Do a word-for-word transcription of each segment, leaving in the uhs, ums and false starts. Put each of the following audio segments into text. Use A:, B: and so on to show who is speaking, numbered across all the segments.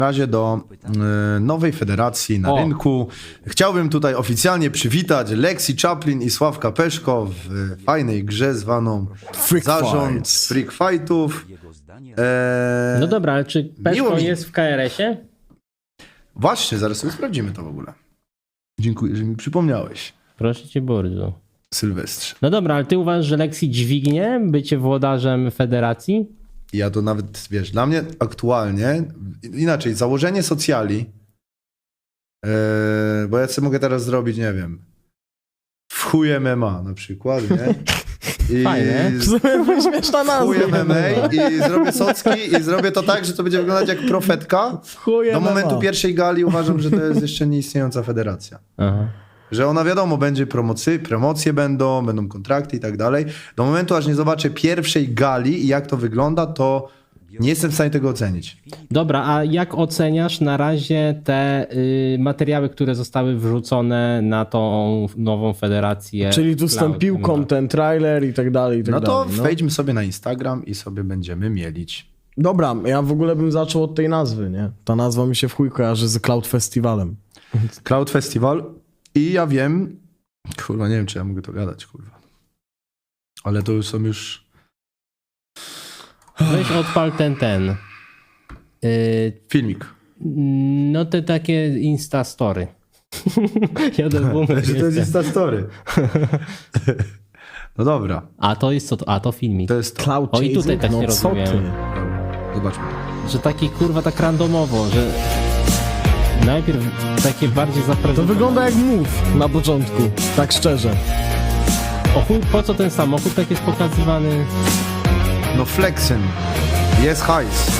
A: razie do y, nowej federacji na
B: O.
A: rynku. Chciałbym tutaj oficjalnie przywitać Lexi Chaplin i Sławka Peszko w y, fajnej grze zwaną
C: Freak
A: Zarząd
C: Fights.
A: Freak Fightów. E,
B: No dobra, ale czy
A: miło
B: Peszko
A: mi.
B: jest w K R S-ie?
A: Właśnie, zaraz sobie sprawdzimy to w ogóle. Dziękuję, że mi przypomniałeś,
B: Proszę cię bardzo.
A: Sylwestrze.
B: No dobra, ale ty uważasz, że Lexi dźwignie bycie włodarzem federacji?
A: Ja to nawet, wiesz, dla mnie aktualnie, inaczej, założenie socjali, e, bo ja sobie mogę teraz zrobić, nie wiem, w chuj M M A na przykład, nie? I
B: Fajne.
C: Śmieszna
A: w
C: nazwa.
A: chuj M M A i zrobię socki i zrobię to tak, że to będzie wyglądać jak profetka.
C: Chuj
A: Do
C: M M A.
A: momentu pierwszej gali uważam, że to jest jeszcze nieistniejąca federacja.
B: Aha.
A: Że ona wiadomo, będzie promocy, promocje będą, będą kontrakty i tak dalej. Do momentu, aż nie zobaczę pierwszej gali i jak to wygląda, to nie jestem w stanie tego ocenić.
B: Dobra, a jak oceniasz na razie te y, materiały, które zostały wrzucone na tą nową federację?
C: Czyli tu
B: Cloud
C: wstąpił
B: M M A?
C: content, trailer i tak dalej, i tak
A: No to
C: dalej. No.
A: wejdźmy sobie na Instagram i sobie będziemy mielić.
C: Dobra, ja w ogóle bym zaczął od tej nazwy, nie? Ta nazwa mi się w chuj kojarzy z Cloud Festivalem.
A: Cloud Festival i ja wiem, kurwa, nie wiem, czy ja mogę to gadać, kurwa. Ale to już są już...
B: Weź odpal ten, ten. Y,
A: Filmik.
B: no te takie Insta Story. Jeden boomer
A: Że to jest
B: jestem.
A: Instastory. No dobra,
B: A to jest co? to- A to filmik.
A: to jest to.
C: Cloud
B: O, i tutaj
C: Chasing?
B: tak
C: no
B: nie
C: co
B: rozumiem.
C: ty?
A: Dobra, zobaczmy.
B: Że taki kurwa tak randomowo, że najpierw takie bardziej
C: To
B: zaprezentowane.
C: wygląda jak move na początku, tak szczerze.
B: O chuj, po co ten samochód tak jest pokazywany?
A: No flexen. Jest hajs.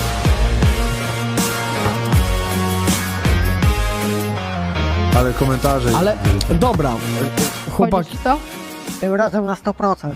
A: Ale komentarze...
C: Ale dobra, chłopak,
D: Chodzi ci to? Tym razem na sto procent.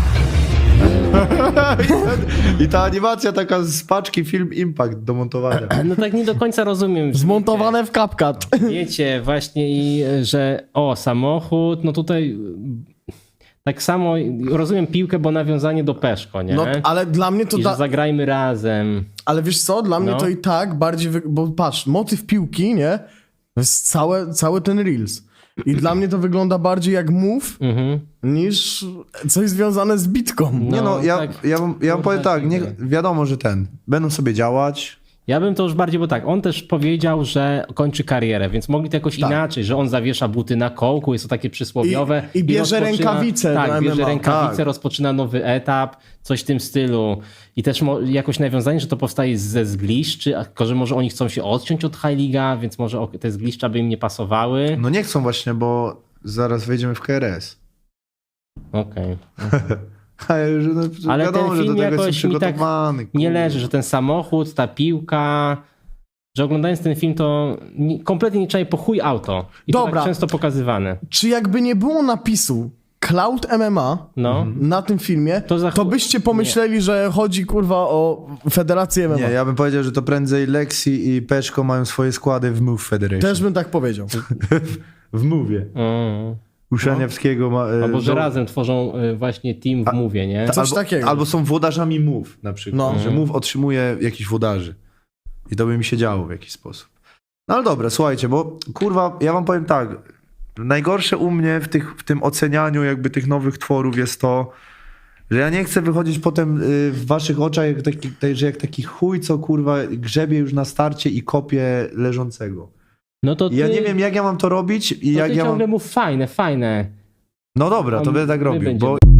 A: I ta animacja taka z paczki Film Impact do montowania.
B: No tak nie do końca rozumiem.
C: zmontowane w CapCut.
B: Wiecie, właśnie i że o, samochód, no tutaj tak samo rozumiem piłkę, bo nawiązanie do Peszko, nie?
C: No, ale dla mnie to
B: I
C: da...
B: że zagrajmy razem.
C: Ale wiesz co, dla mnie
B: No.
C: to i tak bardziej, wy... bo patrz, motyw piłki, nie? To jest całe, cały ten Reels. I dla mnie to wygląda bardziej jak move
B: Mhm.
C: niż coś związane z bitką.
A: Nie no, ja,
B: tak,
A: ja, wam- ja wam powiem tak, nie,
B: kurde.
A: wiadomo, że ten, będą sobie działać.
B: Ja bym to już bardziej, bo tak, on też powiedział, że kończy karierę, więc mogli to jakoś
C: Tak.
B: inaczej, że on zawiesza buty na kołku, jest to takie przysłowiowe.
C: I- i bierze rękawice
B: Tak,
C: do
B: bierze
C: M M A.
B: rękawice,
A: Tak.
B: rozpoczyna nowy etap, coś w tym stylu. I też mo- jakoś nawiązanie, że to powstaje ze zgliszczy, a tylko że może oni chcą się odciąć od High League'a, więc może o- te zgliszcza by im nie pasowały.
A: No nie chcą właśnie, bo zaraz wejdziemy w K R S.
B: Okej.
A: Ale, że, no,
B: Ale
A: wiadomo,
B: ten
A: że
B: film
A: do tego
B: jakoś
A: jestem
B: mi tak
A: przygotowany.
B: Nie
A: kurde.
B: leży, że ten samochód, ta piłka, że oglądając ten film to nie, kompletnie nie czaję po chuj auto. I to
C: Dobra.
B: tak często pokazywane.
C: Czy jakby nie było napisu Cloud M M A
B: No.
C: na tym filmie,
B: To
C: to,
B: za chu-
C: byście pomyśleli, że chodzi kurwa o Federację M M A.
A: Nie, ja bym powiedział, że to prędzej Lexi i Peszko mają swoje składy w Move Federation.
C: Też bym tak powiedział.
A: W Move'ie.
B: Mm.
A: U Szaniawskiego ma... e,
B: Albo że
A: do-
B: razem tworzą y, właśnie team w Move'ie, nie?
A: Ta-
C: Coś
A: albo,
C: takiego.
A: Albo są włodarzami Move na przykład.
C: No.
A: Że Move otrzymuje jakichś włodarzy. I to by mi się działo w jakiś sposób. No ale dobra, słuchajcie, bo kurwa, ja wam powiem tak. Najgorsze u mnie w, tych, w tym ocenianiu jakby tych nowych tworów jest to, że ja nie chcę wychodzić potem y, w waszych oczach, jak taki, tak, że jak taki chuj, co kurwa grzebie już na starcie i kopie leżącego.
B: No to
A: I ja
B: ty-
A: nie wiem, jak ja mam to robić i
B: to
A: jak
B: ty
A: ja mam...
B: ciągle mów fajne, fajne.
A: No dobra, to
B: On-
A: będę tak
B: my
A: robił,
B: będziemy.
A: bo